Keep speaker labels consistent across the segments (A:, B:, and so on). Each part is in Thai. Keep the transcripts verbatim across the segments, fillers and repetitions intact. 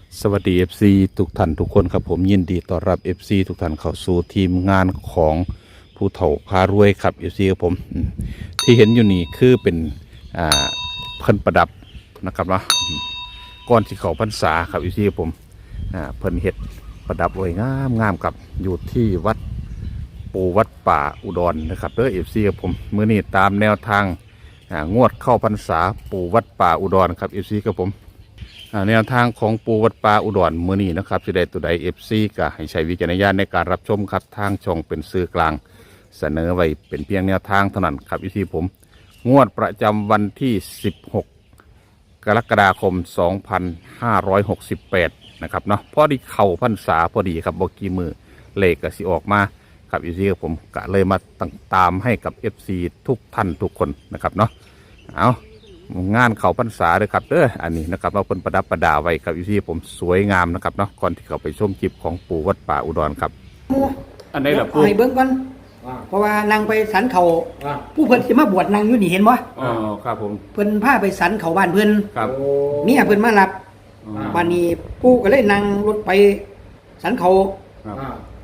A: สวัสดี เอฟ ซี ทุกท่านทุกคนครับผมยินดีต้อนรับ เอฟ ซี ทุกท่านเข้าสู่ทีมงานของผู้เฒ่าพารวยครับ เอฟ ซี ครับผมอืมที่เห็นอยู่นี่คือเป็นอ่าเพิ่นประดับนะครับเนาะอืมก่อนที่เขาพรรษาครับ เอฟ ซี ครับผมอ่าเพิ่นเฮ็ดประดับไว้งามงามครับอยู่ที่วัดปูวัดป่าอุดรนะครับเด้อ เอฟ ซี ครับผมมื้อนี้ตามแนวทางอ่างวดเข้าพรรษาปูวัดป่าอุดรครับ เอฟ ซี ครับผม อ่าแนวทางของปูวัดป่าอุดรมื้อนี้นะครับสิได้ตัวใด เอฟ ซี ก็ให้ใช้วิจารณญาณในการรับชมครับทางช่องเป็นสื่อกลางเสนอไว้เป็นเพียงแนวทางเท่านั้นครับวิธีผมงวดประจำวันที่สิบหกกรกฎาคมสองพันห้าร้อยหกสิบแปดนะครับเนาะพอดีเข่าพรรษาพอดีครับบกี่มือเลขก็สิออกมาครับวิธีผมก็เลยมาตามให้กับ เอฟ ซี ทุกท่านทุกคนนะครับเนาะเอางานเขาพรรษาเลยครับเด้ออันนี้นะครับเราเป็นประดับประดาไว้ครับอยู่ที่ผมสวยงามนะครับเนาะก่อนที่เขาไปชมคลิปของปู่วัดป่าอุดรครับอันไหนล่ะปู่
B: ให้เบิ่งก่อนเพราะว่านางไปสันเขาผู้เพิ่นสิมาบวชนางอยู่นี่เห็นบ่
A: อ๋อครับผม
B: เพิ่นพาไปสันเขาบ้านเพิ่น
A: ครับ
B: เมียเพิ่นมารับบ้านนี้ปู่ก็เลยนั่งรถไปสันเขา
A: ครับ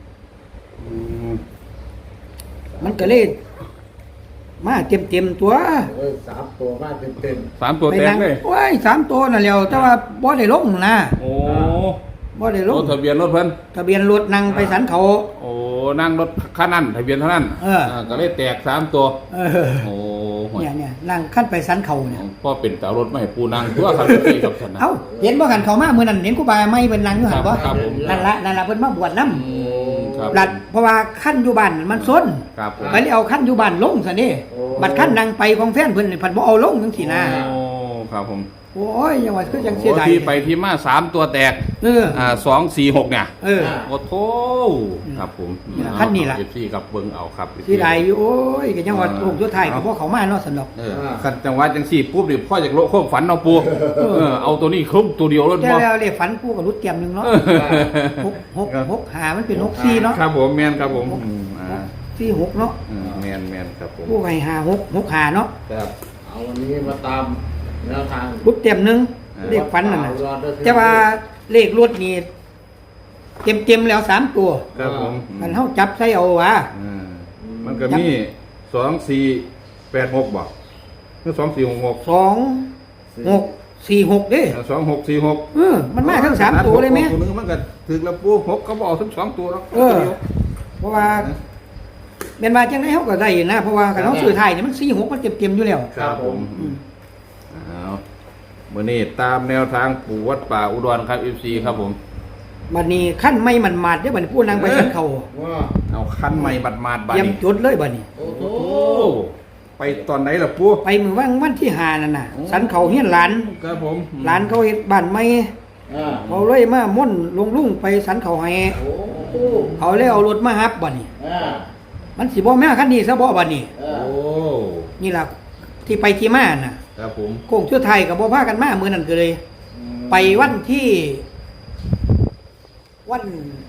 B: มันก็เลยมาเต็มเต็มตัว
C: สามตัวมาเต็มเต็ม
A: สามตัวแตกเลย
B: โอ้ยสามตัวนั่นแหละแต่ว่าบ่ได้ลงนะ
A: โอ้
B: บ่ได้ลง
A: ทะเบียนรถเพิ่น
B: ทะเบียนรถนั่งไปสันเขา
A: โอ้นั่งรถคันนั้นทะเบียนเท่านั้น
B: เออ
A: ก็เลยแตกสามตัว
B: เออ
A: โอ้
B: เนี่ยเนี่ยนั่งขั้นไปสันเขาเนี่ย
A: พ่อเป็นแต่รถไม่ให้ปูนั่งตัวครับพี่กับฉันนะ
B: เอ้าเห็นบ่กันเขามามื้อนั้นเห็นครูบาไม่เพิ่นนั่งอยู่หั่นบ่นั่นละนั่นละเพิ่นมาบวชนำรัดเพราะว่าขั้นอยู่บ้านมันซนไปเลยเอาขั้นอยู่บ้านลงซะนี่บัดขั้นนั่งไปของแฟนเพิ่นนี่เพิ่นบ่เอาลงจังซี่นะ
A: โอ้ครับผม
B: โอ้ยยังว่าคือจังเสียดาย
A: ที่ไปที่มาสามตัวแตก
B: เออ
A: อ่าสอง สี่ หกเนี่ย
B: เออ
A: โอ้โธ่ครับผม
B: ขั้นนี้ล่ะ
A: เอฟ ซี กับเบิ่งเอาครับ
B: เสียดายอยู่โอ้ยก็ยังว่าลูกสุดท้ายก็บ่เข้ามาเนาะซั่นดอก
A: เออคันจังหวะจังซี่ปุ๊บนี่พ่ออยากโลความฝันเอาปู่เออเอาตัวนี้ครบตัวเดียวแล้วบ่
B: แล้วเลขฝันปู่ก็รุดเตรียมนึงเนาะหก หก หก ห้ามันเป็นหก สี่เนาะ
A: ครับผมแม่นครับผม
B: อ่าสี่ หกเนาะ
A: อืมแม่นๆครับผม
B: ปู่ให้ห้า หก หก ห้าเนาะ
C: ครับเอาวันนี้มาตามแนวทาง
B: รุดเตรียมนึงเลขฝันนั่นน่ะแต่ว่าเลขรถนี่เต็มๆแล้วสามตัว
A: ครับผม
B: มันเฮาจับใส่เอาว่า
A: มันก็มีสอง สี่ แปด หกบ่คือสอง สี่ หก หก
B: สอง หก สี่ หกเด้
A: สอง หก สี่ หก
B: เออมันมาทั้งสามตัวเลยแม่
A: ตัวนึงมันก็ถึกแล้วปู่หกก็บ่เอาทั้งสองตัวแล้ว
B: เออเพราะว่าแม่นว่าจังได๋เฮาก็ได้นะเพราะว่าคันเฮาซื้อไทยนี่มันสี่ หกมันเต็มๆอยู่แล้ว
A: ครับผมอ้าวมื่อนี้ตามแนวทางปู่วัดป่าอุดรครับ เอฟ ซี ครับผม
B: บัดนี้ขั้นไม่มันมาดเด้อบัดนี้ผู้นางไปสันเขา
A: เอาขั้นไม่บัดมาดบัด
B: นี้ยังจุดเลยบัดนี้
A: โอ้โหไปตอนไหนล่ะปู่
B: ไปมื้อวันวันที่ห้านั่นน่ะสันเขาเฮียนหลาน
A: ครับผม
B: หลานเขาเฮ็ดบ้านใหม่เขาเลยมาม่นลงลุงไปสันเขาให้เขาเลยเอารถมาฮับบัดนี้มันสิบ่แม่คันนี้ซะบ่บัดนี้
A: โอ้
B: นี่ล่ะที่ไปที่มาน่ะ
A: ครับผม
B: โค้งชั่วไทยกับบ่พากันมามื้อนั้นก็เลยไปวันที่วัน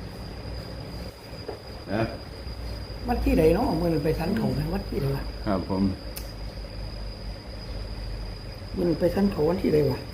A: นะ
B: วันที่ใดเนาะมื้อนั้นไปสันเขานะวันที่ใดวะ
A: ครับผม
B: มื้อนั้นไปสันเขาวันที่ใดวะ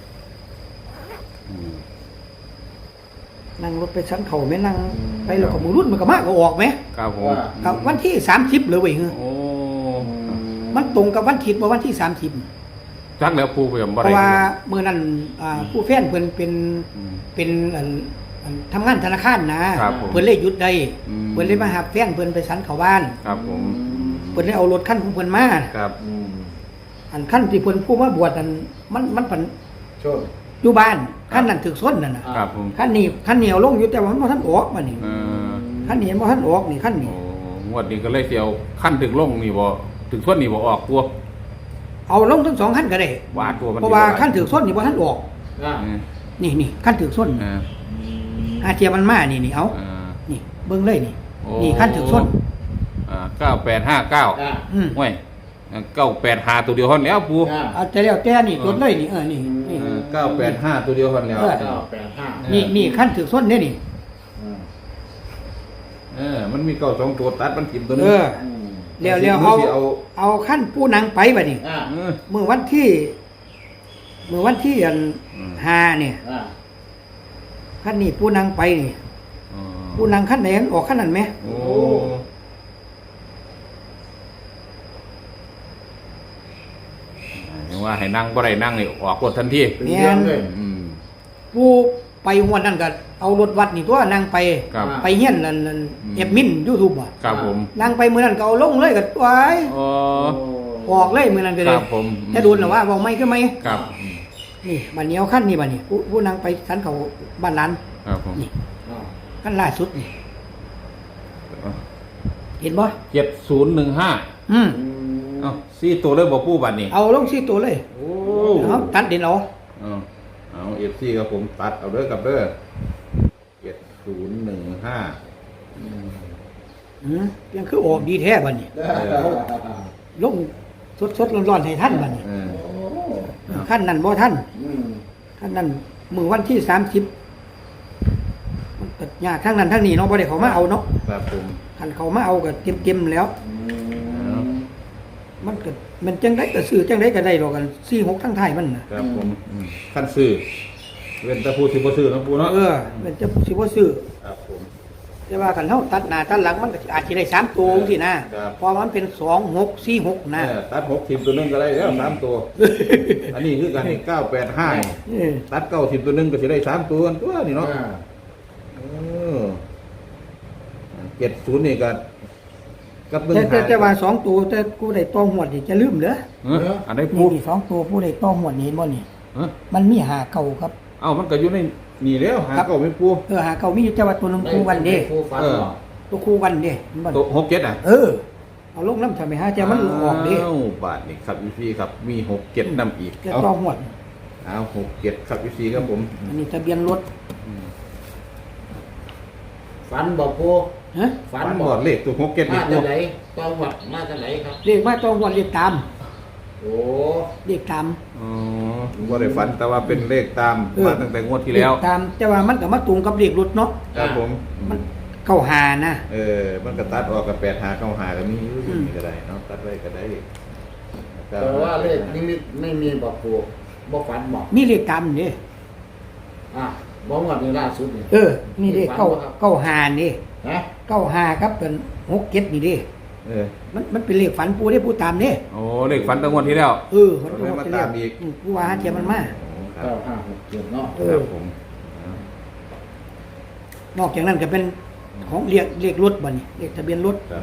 B: นั่งรถไปสันเขาแม่นั่งไปแล้วก็มื้อรุ่นมันก็มาก็ออกมั้ย
A: ครับผม
B: กับวันที่สามสิบเลยเว้ย
A: โอ้
B: มันตรงกับวันคิดว่าวันที่สามสิบ
A: จักแล้วปู่เพิ่นบ่ได้
B: เพราะว่ามื้อนั้นอ่าผู้แฟนเพิ่นเป็นเป็นอันทำงานธนาคารนะเพิ่นเลยหยุดได้เพิ่นเลยมาหาแฟนเพิ่นไปสันเข้าบ้าน
A: ครับผม
B: เพิ่นเลยเอารถคันของเพิ่นมา
A: ครับ
B: อันคันที่เพิ่นผู้มาบวชนั่นมันมันเพิ่น
C: ชน
B: อยู่บ้านคันนั้นถึกซ้นนั่นน่ะ
A: ครับผม
B: คันนี้คันเหนียวลงอยู่แต่ว่ามันบ่ทันออกบัดนี้
A: เออ
B: คันนี้บ่ทันออกนี่คันนี้
A: โอ้งวดนี้ก็เลยสิเอาคันถึกลงนี่บ่ถึกซ้นนี่บ่ออกตัว
B: เอาลงทั้งสองคันก็ได้
A: ว่าตัวมัน
B: เพราะว่าคันถึกซ้นนี่บ่ทันออกนี่นี่คันถึกซ้นอาเทียมันมานี่นี่เอานี่เบิ่งเลยนี่นี่คันถึกซ้น
A: อ่าเก้าแปดห้าเก้าอืมห้วยเก้าแปดห้าตัวเดียวเท่านั้นแล้วปู่
B: เอาแต่แล้วแต่นี่จดเลยนี่เออนี่นี่
A: เก้าแปดห้าตัวเดียวเท่านั้นแล้ว
C: เก้าแปดห้า
B: นี่นี่คันถึกซ้นเด้นี่
A: เออมันมีเก้าสองตัวตัดมันถิ่มตัวนึง
B: เออแล้วๆเอาเอาคันผู้นางไปบัดนี้มื้อวันที่มื้อวันที่อันห้าเนี่ยขั้นนี้ผู้นั่งไปนี่
A: อ๋อ
B: ผู้นั่งขั้นไหนออกขั้นนั้นไหม
A: โอ้ยังว่าให้นั่งบ่ได้นั่งนี่ออกรถทันที
C: เป็นเรื่องเลย
A: อืม
B: ผู้ไปหวดนั่นก็เอารถวัดนี่ตัวนั่งไป
A: ครับ
B: ไปเฮียนนั่นนั่นเอฟมินยูทูบอ่ะ
A: ครับผม
B: นั่งไปมื้อนั้นก็เอาลงเลยก็ไว้
A: อ๋อ
B: ออกเลยมื้อนั้นก็
A: ค
B: เล
A: รั
B: ย
A: บผม
B: จะดูนหรือว่าเว้าไม่คือไหม
A: ครับ
B: นี่บัดนี้เอาขั้นนี่บัดนี้ผู้ผู้นั่งไปสันเขาบ้านหลาน
A: ครับผม
B: นี่
C: อ่า
B: ขั้นล่าสุดนี่เห็นบ่
A: เจ็ดศูนย์หนึ่งห้า
B: อืม
C: อืม
A: เอ้าสี่ตัวเลยบอกผู้บัตรนี่
B: เอาลงสี่ตัวเลย
A: โอ้
B: เอาตัดเด่นเอา
A: เอาเอาเอฟซีครับผมตัดเอาเด้อกับเด้อเจ็ดศูนย์หนึ่งห้า
B: อืมยังคือออกดีแท้บัดนี้ลงสดๆร้อนๆให้ท่านบัดนี้
A: เออ
C: โอ้
B: ขั้นนั้นบ่ท่าน
C: อืม
B: ขั้นนั้นมื้อวันที่สามสิบมันก็ยากทั้งนั้นทั้งนี้เนาะบ่ได้เขามาเอาเนาะ
A: ครับผม
B: คันเขามาเอาก็เต็มๆแล้ว
C: อืม
B: มันก็มันจังไดก็ซื้อจังไดก็ได้ดอกกันสี่หกทั้งไทายมันน่ะ
A: ครับผมอืมขั้นซื้อเว้นแต่ผู้สิบ่ซื้อเนาะผู้เนาะ
B: เออมันจะสิบ่ซื้อ
A: ครับผม
B: แต่ว่าคันเฮาตัดหน้าตัดหลังมันก็อาจสิได้สามตัวจังซี่นะครับ เพอมันเป็นสองหกสี่หกนะ
A: เออตัดหกทีมตัวหนึงก็ได้แล้วสามตัว อันนี้คือกันเก้าแปดห้า
B: เออ
A: ตัดเก้าทีมตัวหนึงก็สิได้สามตัวตัวนี่เนาะ
C: อ่า
A: เออเจ็ดศูนย์นี่ก็กับหนึ่ง
B: แต่แต่
A: หา
B: แต่ว่าสองตัวแต่กูได้ต้องหวดนี่จะลืมเหรอ
A: เอออันไหน
B: นี่
A: พูด
B: นี่สองตัวผู้ได้ต้องหวดนี่เห็นบ่นี่
A: เออ
B: มันมีหาเก่าครับ
A: เอ้ามันก็อยู่ในนี่แล้วหา
B: ครับ
A: เก้าไม่ปู
B: เออหาเก่ามีอยู่แต่ว่าตัวหนึงคู่กันเด้
C: ผู้ฟัน
A: เออ
C: เหรอ
B: ตัวคู่กันเด้เห็นบ่
A: ตัวหกเจ็ดอ่ะ
B: เออเอาลงน้ำทำไมฮะแต่มันออกเด้
A: อ้าวบาทนี่ครับพี่พี่ครับมีหกเจ็ดนำอีก
B: จะ
A: เอา
B: ต้องหวด
A: เอาหกเจ็ดครับพี่พี่ครับผม
B: อันนี้ทะเบียนรถ
C: ฟันบอกผู้
B: ฮะ
C: ฟั
A: ฝั
C: น
A: น
C: บบ อ
A: อก ดเลขตัวหกเจ็ด
C: มา
A: นี่ปู
C: จากไหนต้องวัดมาจากไหนครับ
B: เรียกว่าต้องหวดเรียกตาม
C: โอ้
B: เรียกตาม
A: อ๋อว่าได้ฝันแต่ว่าเป็นเลขตาม
B: เออ
A: มาตั้งแต่งวดที่แล้ว
B: เรียกตามแต่ว่ามันก็มาตรงกับเรียกรถเนาะ
A: ครับผม
B: มันเข้าหานะ
A: เออมันก็ตัดออกกับแปดหาเก้าหาก็มีอยู่
B: อืม
A: นี่ก็ได้เนาะตัดไว้ก็ได้
C: แต่ว่าเลขนี้ไม่มีบอกผู้บอกฟันบอก
B: มีเรียกตามนี่
C: อ่ะบอกงวดนี้ล่าสุดนี่
B: เออนี่เด้เข้าเข้าหานี่
C: นะ
B: เข้าหาครับเป็นหกเจ็ดนี่เด้
A: เออ
B: มันมันเป็นเลขฝันปูได้ปูตามนี่
A: โอ้เลขฝันตั้งงวดที่แล้ว
B: เออมันเป็น
A: มา
B: เล
A: ตาม
B: ข
A: อีก
B: ปูว่าเทียมมันมา
A: ครั
C: เก้า
A: บ
C: ห้าหกเจ็ดเนาะ
B: เอ
A: ค
B: อ
A: รับผม
B: นอกจากนั้นก็เป็นของเรียกเรียกรถบ่นี่เรียกทะเบียนรถ
A: ครับ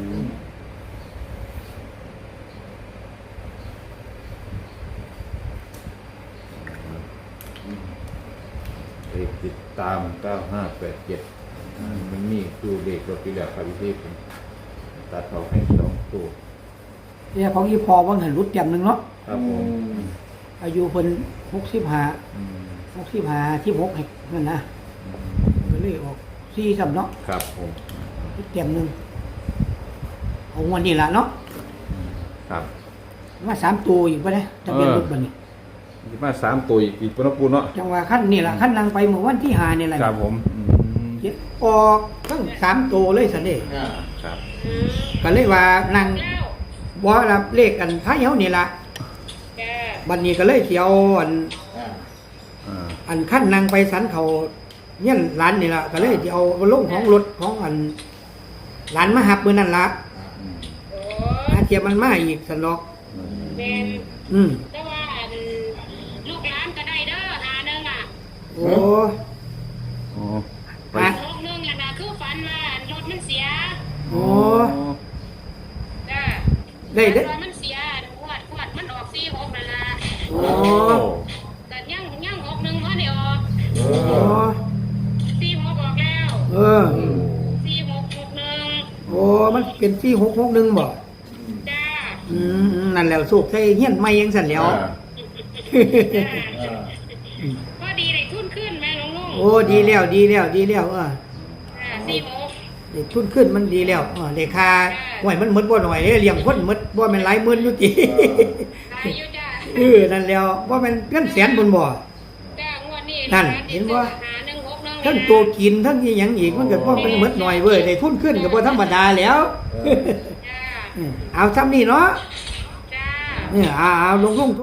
A: เลขติดตามเก้าห้าแปดเจ็ดมันมีคือเลขรถที่แล้วครับพี่ผมตัดเขาให้สองตัว
B: เนี่ยของอีพอว่างหันรุดจำหนึ่งเนาะ
A: ครับผม
B: อายุเพิ่นหกสิบห้า
A: อืม
B: หกสิบห้าที่หกให้นั่นนะก็เลยออกสี่สำเนาะ
A: ครับผม
B: รุดจำหนึ่งเอางวันนี้ละเนาะ
A: ครับ
B: มาสามตัวอีกปะเนี่ยทะเบียนรถบ่นี่
A: มีมาสามตัวอีกอีกปนปูเนาะ
B: จังหวะขั้นนี่ละขั้นนางไปเมื่อวันที่หานี่แหละ
A: ครับผมอืม
B: เจ็ดออกทั้งสามตัวเลยสันเด้
C: อ่า
A: ครับ
B: ก็เลยว่านางบ่รับเลขกันพายเฮานี่ละบัดนี้ก็เลยเที่ยวอัน
C: อ่า
A: อ่า
B: อันขั้นนางไปสันเขาเนี่ยหลานนี่ละก็เลยสิเอาลงของรถของอันหลานมาหับมื้อนั่นละ
A: อืม
B: อาเทียมมันมาอีกสันดอก
D: เป็น
B: อืม
D: แต่ว่าอันลูกหลานก็ได้เด้อหาหนึงอ่ะ
B: โอ้
A: โอ้ไป
B: ฮะ
D: ลูกหนึงอ่ะนะคือฝันว่ารถมันเสีย
B: โอ้
D: จ้า
B: ได้ได้
D: รถมันเสียขวดขวดมันออกสี่หกนั่นล่ะ
B: โอ้
D: แต่ยังยังหกหนึ่งเพราะเดียวออก
B: โอ้
D: สี่หกออกแล้ว
B: เออ
D: สี่หกหกหนึ่ง
B: โอ้มันเป็นที่หกหกหนึ่งบ่
D: จ้า
B: อืมอืมนั่นแหล้วสูบใส่เฮียนไม่ยังสั่นแหล้ว
D: จ้า
C: อ่า
D: พอดีได้ทุนขึ้นแม่ลุงลุง
B: โอ้ดีแล้วดีแล้วดีแล้วเออ
D: อ่าสี่หก
B: เด็กทุนขึ้นมันดีแล้วเออเด็กค่าห่วยมันหมดบ่หน่อยเด้เลี้ยงคนหมดบ่แม่นหลายหมื่นอยู่ติ
D: ได้อยู่จ้า
B: เออนั่นแล้วบ่แม่นเงินแสนบนบ่
D: จ้างวดนี้
B: นั่น
D: หลา
B: เห็นบ่
D: หาหนึ่งหกหนึ่ง
B: ทั้งตัวกินทั้งอีหยังอีกมันก็บ่เป็นหมดหน่อยเว้ยได้ทุนขึ้นก็บ่ธรรมดาแล้ว
D: จ้า
B: เออเอาซ้ำนี่เนาะ
D: จ้า
B: เนี่ยเอาเอาลงลง